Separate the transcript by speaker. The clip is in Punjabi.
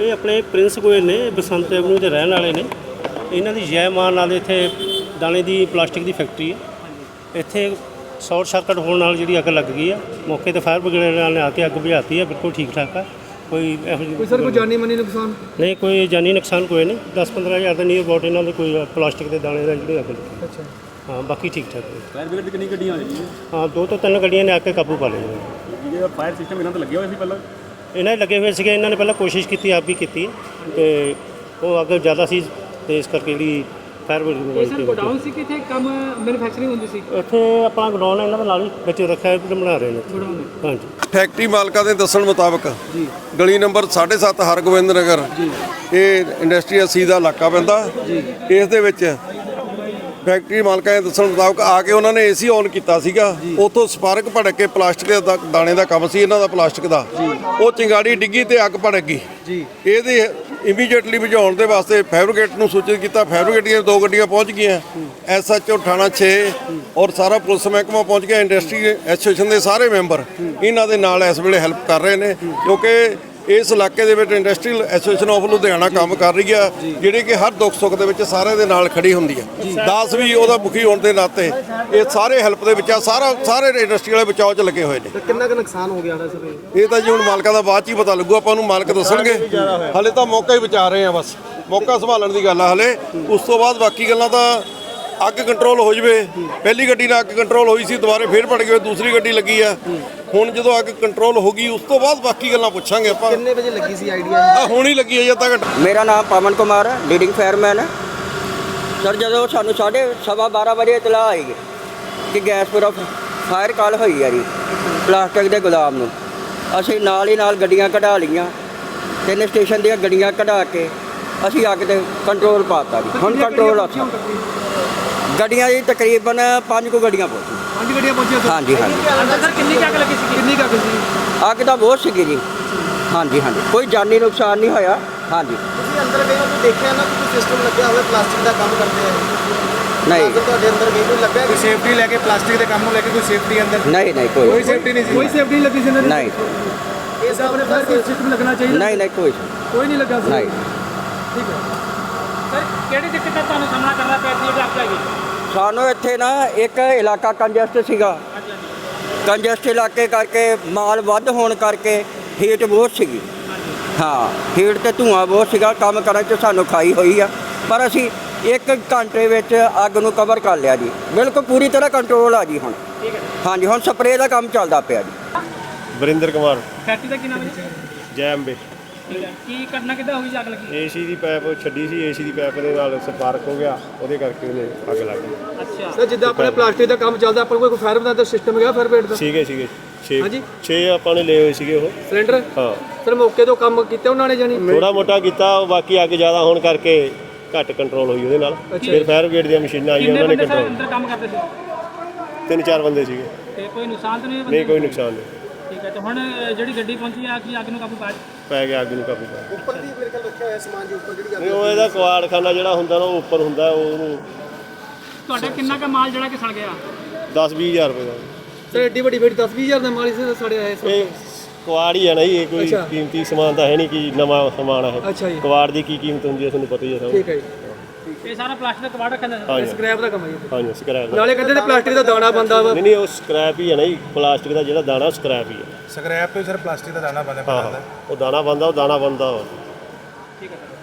Speaker 1: ਇਹ ਆਪਣੇ ਪ੍ਰਿੰਸ ਗੋਇਲ ਨੇ, ਬਸੰਤ ਐਵਨਿਊ ਦੇ ਰਹਿਣ ਵਾਲੇ ਨੇ। ਇਹਨਾਂ ਦੀ ਜੈ ਮਾਨ ਨਾਲ ਇੱਥੇ ਦਾਣੇ ਦੀ ਪਲਾਸਟਿਕ ਦੀ ਫੈਕਟਰੀ ਹੈ। ਇੱਥੇ ਸ਼ਾਰਟ ਸਰਕਟ ਹੋਣ ਨਾਲ ਜਿਹੜੀ ਅੱਗ ਲੱਗ ਗਈ ਆ। ਮੌਕੇ ਤੇ ਫਾਇਰ ਬ੍ਰਿਗੇਡ ਵਾਲਿਆਂ ਨੇ ਆ ਕੇ ਅੱਗ ਬੁਝਾਤੀ ਆ। ਬਿਲਕੁਲ ਠੀਕ ਠਾਕ ਆ, ਕੋਈ ਇਹੋ ਜਿਹੀ
Speaker 2: ਸਰ ਕੋਈ ਜਾਨੀ ਮਾਨੀ ਨੁਕਸਾਨ
Speaker 1: ਨਹੀਂ, ਕੋਈ ਜਾਨੀ ਨੁਕਸਾਨ ਕੋਈ ਨਹੀਂ। 10-15 ਹਜ਼ਾਰ ਦੇ ਨੀਅਰ ਅਬਾਊਟ ਇਹਨਾਂ ਦੇ ਕੋਈ ਪਲਾਸਟਿਕ ਦੇ ਦਾਣੇ ਦਾ ਜਿਹੜੀ ਅੱਗ ਲੱਗੀ।
Speaker 2: ਅੱਛਾ
Speaker 1: ਹਾਂ, ਬਾਕੀ ਠੀਕ ਠਾਕ ਹੈ।
Speaker 3: ਫਾਇਰ ਬ੍ਰਿਗੇਡ ਕਿੰਨੀ ਗੱਡੀਆਂ ਆ ਰਹੀਆਂ?
Speaker 1: ਹਾਂ, 2 ਤੋਂ 3 ਗੱਡੀਆਂ ਨੇ ਆ ਕੇ ਕਾਬੂ ਪਾ ਲਿਆ।
Speaker 3: ਜਿਹੜਾ ਫਾਇਰ ਸਿਸਟਮ ਇਹਨਾਂ ਤੇ ਲੱਗਿਆ ਹੋਇਆ ਸੀ ਪਹਿਲਾਂ?
Speaker 1: ਇਹਨਾਂ ਦੇ ਲੱਗੇ ਹੋਏ ਸੀਗੇ। ਇਹਨਾਂ ਨੇ ਪਹਿਲਾਂ ਕੋਸ਼ਿਸ਼ ਕੀਤੀ, ਆਪ ਵੀ ਕੀਤੀ ਹੈ, ਤੇ ਉਹ ਅੱਗ ਜ਼ਿਆਦਾ ਸੀ ਤੇ ਇਸ ਕਰਕੇ ਜਿਹੜੀ ਫਾਇਰ ਬ੍ਰਿਗੇਡ
Speaker 2: ਗੋਡਾਊਨ ਸੀ ਕਿ ਇੱਥੇ ਕੰਮ ਮੈਨੂਫੈਕਚਰਿੰਗ ਹੁੰਦੀ ਸੀ?
Speaker 1: ਇੱਥੇ ਆਪਣਾ ਗੋਡਾਊਨ ਇਹਨਾਂ ਦੇ ਨਾਲ ਹੀ ਵਿੱਚ ਰੱਖਿਆ ਹੈ, ਬਣਾ ਰਹੇ ਨੇ। ਹਾਂਜੀ।
Speaker 4: ਫੈਕਟਰੀ ਮਾਲਕਾਂ ਦੇ ਦੱਸਣ ਮੁਤਾਬਕ ਜੀ ਗਲੀ ਨੰਬਰ 7.5 ਹਰਗੋਬਿੰਦ ਨਗਰ ਇਹ ਇੰਡਸਟਰੀਅਲ ਸੀ ਦਾ ਇਲਾਕਾ ਪੈਂਦਾ ਜੀ। ਇਸ ਦੇ ਵਿੱਚ ਫੈਕਟਰੀ ਮਾਲਕਾਂ ਦੇ ਦੱਸਣ ਮੁਤਾਬਕ ਆ ਕੇ ਉਹਨਾਂ ਨੇ ਏਸੀ ਔਨ ਕੀਤਾ ਸੀਗਾ। ਉੱਥੋਂ ਸਪਾਰਕ ਭੜਕ ਕੇ ਪਲਾਸਟਿਕ ਦਾ ਦਾਣੇ ਦਾ ਕੰਮ ਸੀ ਇਹਨਾਂ ਦਾ, ਪਲਾਸਟਿਕ ਦਾ। ਉਹ ਚਿੰਗਾੜੀ ਡਿੱਗੀ ਤੇ ਅੱਗ ਭੜਕ ਗਈ ਜੀ। ਇਹਦੇ ਇਮੀਡੀਏਟਲੀ ਬੁਝਾਉਣ ਦੇ ਵਾਸਤੇ ਫਾਇਰ ਬ੍ਰਿਗੇਡ ਨੂੰ ਸੂਚਿਤ ਕੀਤਾ। ਫਾਇਰ ਬ੍ਰਿਗੇਡ ਦੀਆਂ 2 ਗੱਡੀਆਂ ਪਹੁੰਚ ਗਈਆਂ। SHO ਥਾਣਾ 6 ਔਰ ਸਾਰਾ ਪੁਲਿਸ ਮਹਿਕਮਾ ਪਹੁੰਚ ਗਿਆ। ਇੰਡਸਟਰੀ ਐਸੋਸੀਏਸ਼ਨ ਦੇ ਸਾਰੇ ਮੈਂਬਰ ਇਹਨਾਂ ਦੇ ਨਾਲ ਇਸ ਵੇਲੇ ਹੈਲਪ ਕਰ ਰਹੇ ਨੇ, ਕਿਉਂਕਿ ਇਸ ਇਲਾਕੇ ਦੇ ਵਿੱਚ ਇੰਡਸਟਰੀਅਲ ਐਸੋਸੀਏਸ਼ਨ ਆਫ ਲੁਧਿਆਣਾ ਕੰਮ ਕਰ ਰਹੀ ਆ, ਜਿਹੜੀ ਕਿ ਹਰ ਦੁੱਖ ਸੁੱਖ ਦੇ ਵਿੱਚ ਸਾਰਿਆਂ ਦੇ ਨਾਲ ਖੜੀ ਹੁੰਦੀ ਆ। ਦਾਸ ਵੀ ਉਹਦਾ ਮੁਖੀ ਹੋਣ ਦੇ ਨਾਤੇ ਇਹ ਸਾਰੇ ਹੈਲਪ ਦੇ ਵਿੱਚ ਆ। ਸਾਰੇ ਇੰਡਸਟਰੀ ਵਾਲੇ ਬਚਾਓ 'ਚ ਲੱਗੇ ਹੋਏ ਨੇ।
Speaker 2: ਕਿੰਨਾ ਕੁ ਨੁਕਸਾਨ ਹੋ ਗਿਆ ਸਰ?
Speaker 4: ਇਹ ਤਾਂ ਜੀ ਹੁਣ ਮਾਲਕਾਂ ਦਾ ਬਾਅਦ 'ਚ ਹੀ ਪਤਾ ਲੱਗੂ, ਆਪਾਂ ਨੂੰ ਮਾਲਕ ਦੱਸਣਗੇ। ਹਾਲੇ ਤਾਂ ਮੌਕਾ ਹੀ ਬਚਾ ਰਹੇ ਆ, ਬਸ ਮੌਕਾ ਸੰਭਾਲਣ ਦੀ ਗੱਲ ਆ ਹਾਲੇ। ਉਸ ਤੋਂ ਬਾਅਦ ਬਾਕੀ ਗੱਲਾਂ ਤਾਂ ਅੱਗ ਕੰਟਰੋਲ ਹੋ ਜਵੇ। ਪਹਿਲੀ ਗੱਡੀ ਨਾਲ ਅੱਗ ਕੰਟਰੋਲ ਹੋਈ ਸੀ, ਦੁਬਾਰੇ ਫੇਰ ਭੜ ਗਈ, ਦੂਸਰੀ ਗੱਡੀ ਲੱਗੀ ਆ। ਹੁਣ ਜਦੋਂ ਅੱਗ ਕੰਟਰੋਲ ਹੋ ਗਈ ਉਸ ਤੋਂ ਬਾਅਦ ਬਾਕੀ ਗੱਲਾਂ ਪੁੱਛਾਂਗੇ ਆਪਾਂ।
Speaker 2: ਕਿੰਨੇ ਵਜੇ ਲੱਗੀ ਸੀ ਆਈਡੀਆ?
Speaker 4: ਆ ਹੁਣ ਹੀ ਲੱਗੀ ਹੈ ਜਦ ਤੱਕ।
Speaker 5: ਮੇਰਾ ਨਾਮ ਪਵਨ ਕੁਮਾਰ ਹੈ, ਲੀਡਿੰਗ ਫਾਇਰਮੈਨ ਹੈ ਸਰ। ਜਦੋਂ ਸਾਨੂੰ 12:15 ਵਜੇ ਇਤਲਾਹ ਆਈ ਕਿ ਗੈਸ ਪੂਰਾ ਫਾਇਰ ਕਾਲ ਹੋਈ ਹੈ ਜੀ ਪਲਾਸਟਿਕ ਦੇ ਗੁਦਾਮ ਨੂੰ, ਅਸੀਂ ਨਾਲ ਹੀ ਨਾਲ ਗੱਡੀਆਂ ਕਢਾ ਲਈਆਂ। 3 ਸਟੇਸ਼ਨ ਦੀਆਂ ਗੱਡੀਆਂ ਕਢਾ ਕੇ ਅਸੀਂ ਅੱਗ ਤੇ ਕੰਟਰੋਲ ਪਾਤਾ ਜੀ। ਹੁਣ ਕੰਟਰੋਲ ਆ। ਗੱਡੀਆਂ ਜੀ ਤਕਰੀਬਨ 5 ਕੁ ਗੱਡੀਆਂ ਪਹੁੰਚੀਆਂ।
Speaker 2: 5 ਗੱਡੀਆਂ ਪਹੁੰਚੀਆਂ ਸਰ?
Speaker 5: ਹਾਂਜੀ ਹਾਂਜੀ।
Speaker 2: ਅੰਦਰ ਸਰ ਕਿੰਨੀ ਅੱਗ ਲੱਗੀ ਸੀ? ਕਿੰਨੀ ਅੱਗ ਸੀ?
Speaker 5: ਅੱਗ ਤਾਂ ਬਹੁਤ ਸੀਗੀ ਜੀ। ਹਾਂਜੀ ਹਾਂਜੀ, ਕੋਈ ਜਾਨੀ ਨੁਕਸਾਨ ਨਹੀਂ ਹੋਇਆ। ਹਾਂਜੀ।
Speaker 2: ਤੁਸੀਂ ਅੰਦਰ ਗਏ ਹੋ ਤਾਂ ਦੇਖਿਆ ਨਾ ਕਿ ਕੋਈ ਸਿਸਟਮ ਲੱਗਿਆ ਹੋਇਆ ਪਲਾਸਟਿਕ ਦਾ ਕੰਮ ਕਰਦੇ ਆ?
Speaker 5: ਨਹੀਂ
Speaker 2: ਤੁਹਾਡੇ ਅੰਦਰ ਗਏ ਕੋਈ ਲੱਗਾ ਕੋਈ ਸੇਫਟੀ ਲੈ ਕੇ, ਪਲਾਸਟਿਕ ਦੇ ਕੰਮ ਨੂੰ ਲੈ ਕੇ ਕੋਈ ਸੇਫਟੀ ਅੰਦਰ?
Speaker 5: ਨਹੀਂ ਨਹੀਂ, ਕੋਈ
Speaker 2: ਸੇਫਟੀ ਨਹੀਂ ਸੀ? ਕੋਈ ਸੇਫਟੀ ਨਹੀਂ ਲੱਗੀ ਸੀ ਇਹਨਾਂ ਦੀ?
Speaker 5: ਨਹੀਂ
Speaker 2: ਇਸ ਆਪਣੇ ਫਾਇਰ ਸਿਸਟਮ ਲੱਗਣਾ ਚਾਹੀਦਾ?
Speaker 5: ਨਹੀਂ ਨਹੀਂ,
Speaker 2: ਕੋਈ ਨਹੀਂ ਲੱਗਾ ਸੀ?
Speaker 5: ਨਹੀਂ।
Speaker 2: ਠੀਕ ਹੈ ਸਰ। ਕਿਹੜੀ ਦਿੱਕਤ ਦਾ ਤੁਹਾਨੂੰ ਸਾਹਮਣਾ ਕਰਨਾ ਪਿਆ ਸੀ ਜਦ ਅੱਗ ਲੱਗੀ?
Speaker 5: ਸਾਨੂੰ ਇੱਥੇ ਨਾ ਇੱਕ ਇਲਾਕਾ ਕੰਜਸਟ ਸੀਗਾ। ਕੰਜਸਟ ਇਲਾਕੇ ਕਰਕੇ ਮਾਲ ਵੱਧ ਹੋਣ ਕਰਕੇ ਹੀਟ ਬਹੁਤ ਸੀਗੀ। ਹਾਂ, ਹੀਟ ਤੇ ਧੂਆਂ ਬਹੁਤ ਸੀਗਾ। ਕੰਮ ਕਰਨ 'ਚ ਸਾਨੂੰ ਖਾਈ ਹੋਈ ਆ, ਪਰ ਅਸੀਂ 1 ਘੰਟੇ ਵਿੱਚ ਅੱਗ ਨੂੰ ਕਵਰ ਕਰ ਲਿਆ ਜੀ। ਬਿਲਕੁਲ ਪੂਰੀ ਤਰ੍ਹਾਂ ਕੰਟਰੋਲ ਆ ਜੀ ਹੁਣ।
Speaker 2: ਠੀਕ ਹੈ।
Speaker 5: ਹਾਂਜੀ, ਹੁਣ ਸਪਰੇਅ ਦਾ ਕੰਮ ਚੱਲਦਾ ਪਿਆ ਜੀ।
Speaker 1: ਵਰਿੰਦਰ ਕੁਮਾਰ,
Speaker 2: ਫੈਕਟਰੀ ਦਾ ਕੀ ਨਾਮ ਹੈ?
Speaker 1: ਜੈ ਅੰਬੇ।
Speaker 2: ਕੀ ਘਟਨਾ ਕਿੱਦਾਂ ਹੋਈ ਜੀ ਅੱਗ ਲੱਗੀ?
Speaker 1: ਏਸੀ ਦੀ ਪਾਈਪ ਛੱਡੀ ਸੀ, ਏਸੀ ਦੀ ਪਾਈਪ ਦੇ ਨਾਲ ਸਪਾਰਕ ਹੋ ਗਿਆ, ਉਹਦੇ ਕਰਕੇ ਉਹਨੇ ਅੱਗ ਲੱਗ ਗਈ।
Speaker 2: ਅੱਛਾ ਸਰ, ਜਿੱਦਾਂ ਆਪਣੇ ਪਲਾਸਟਿਕ ਦਾ ਕੰਮ ਚੱਲਦਾ, ਆਪਾਂ ਕੋਈ ਫਾਇਰ ਬ੍ਰਿਗੇਡ ਦਾ ਸਿਸਟਮ ਹੈਗਾ? ਫਾਇਰ ਬ੍ਰਿਗੇਡ ਦਾ
Speaker 1: ਸੀਗੇ 6
Speaker 2: ਹਾਂਜੀ
Speaker 1: 6 ਆਪਾਂ ਨੇ ਲਏ ਹੋਏ ਸੀਗੇ ਉਹ
Speaker 2: ਸਿਲੰਡਰ।
Speaker 1: ਹਾਂ
Speaker 2: ਸਰ ਮੌਕੇ ਤੋਂ ਕੰਮ ਕੀਤਾ ਉਹਨਾਂ ਨੇ ਜਾਨੀ?
Speaker 1: ਥੋੜਾ ਮੋਟਾ ਕੀਤਾ, ਬਾਕੀ ਅੱਗ ਜ਼ਿਆਦਾ ਹੋਣ ਕਰਕੇ ਘੱਟ ਕੰਟਰੋਲ ਹੋਈ ਉਹਦੇ ਨਾਲ। ਫਿਰ ਫਾਇਰ ਬ੍ਰਿਗੇਡ ਦੀਆਂ ਮਸ਼ੀਨਾਂ ਆਈਆਂ, ਉਹਨਾਂ ਨੇ ਕੰਟਰੋਲ।
Speaker 2: ਅੰਦਰ ਕੰਮ ਕਰਦੇ ਸੀ?
Speaker 1: 3-4 ਬੰਦੇ ਸੀਗੇ।
Speaker 2: ਤੇ ਕੋਈ ਨੁਕਸਾਨ ਤਾਂ ਨਹੀਂ?
Speaker 1: ਨਹੀਂ, ਕੋਈ ਨੁਕਸਾਨ ਨਹੀਂ।
Speaker 2: ਠੀਕ ਹੈ। ਤੇ ਹੁਣ ਜਿਹੜੀ ਗੱਡੀ ਪਹੁੰਚੀ ਆ ਕਿ ਅੱਗ ਨੂੰ ਕਾਬੂ
Speaker 1: ਪੈ ਗਿਆ, ਅੱਗ ਨੂੰ ਕਾਬੂ ਪਾ।
Speaker 2: ਉੱਪਰ ਦੀ ਮੇਰੇ ਕੋਲ ਰੱਖਿਆ ਹੋਇਆ ਸਮਾਨ ਜੀ, ਉੱਪਰ ਜਿਹੜੀ
Speaker 1: ਨਹੀਂ, ਉਹ ਇਹਦਾ ਕਵਾੜਖਾਨਾ ਜਿਹੜਾ ਹੁੰਦਾ ਨਾ, ਉਹ ਉੱਪਰ ਹੁੰਦਾ, ਉਹਨੂੰ
Speaker 2: ਤੁਹਾਡਾ ਕਿੰਨਾ ਕੁ ਮਾਲ ਜਿਹੜਾ ਕਿ ਸੜ ਗਿਆ?
Speaker 1: 10-20 ਹਜ਼ਾਰ ਰੁਪਏ ਦਾ।
Speaker 2: ਸਰ ਐਡੀ ਵੱਡੀ 10-20 ਹਜ਼ਾਰ ਦਾ ਮਾਲ ਇਸ ਸੜਿਆ ਹੈ?
Speaker 1: ਇਹ ਕਵਾੜ ਹੀ ਹੈ ਨਾ ਜੀ, ਇਹ ਕੋਈ ਕੀਮਤੀ ਸਮਾਨ ਤਾਂ ਹੈ ਨਹੀਂ ਕਿ ਨਵਾਂ ਸਮਾਨ ਹੈ।
Speaker 2: ਅੱਛਾ ਜੀ।
Speaker 1: ਕਵਾੜ ਦੀ ਕੀ ਕੀਮਤ ਹੁੰਦੀ ਹੈ ਤੁਹਾਨੂੰ ਪਤਾ ਹੀ ਹੈ ਸਭ।
Speaker 2: ਠੀਕ ਹੈ ਜੀ। ਇਹ ਸਾਰਾ ਪਲਾਸਟਿਕ ਦਾ ਕਵਾੜ ਰੱਖਿਆ ਜਾਂਦਾ? ਸਕ੍ਰੈਪ ਦਾ ਕੰਮ ਹੈ ਜੀ?
Speaker 1: ਹਾਂਜੀ, ਸਕ੍ਰੈਪ।
Speaker 2: ਨਾਲੇ ਕਹਿੰਦੇ ਨੇ ਪਲਾਸਟਿਕ ਦਾ ਦਾਣਾ ਬਣਦਾ ਵਾ?
Speaker 1: ਨਹੀਂ, ਉਹ ਸਕ੍ਰੈਪ ਹੀ ਹੈ ਨਾ ਜੀ। ਪਲਾਸਟਿਕ ਦਾ ਜਿਹੜਾ ਦਾਣਾ ਸਕ੍ਰੈਪ ਹੀ ਹੈ।
Speaker 6: ਸਕ੍ਰੈਪ ਤੋਂ ਸਰ ਪਲਾਸਟਿਕ ਦਾ ਦਾਣਾ ਬਣਦਾ?
Speaker 1: ਉਹ ਦਾਣਾ ਬਣਦਾ, ਉਹ ਦਾਣਾ ਬਣਦਾ।
Speaker 2: ਠੀਕ ਹੈ।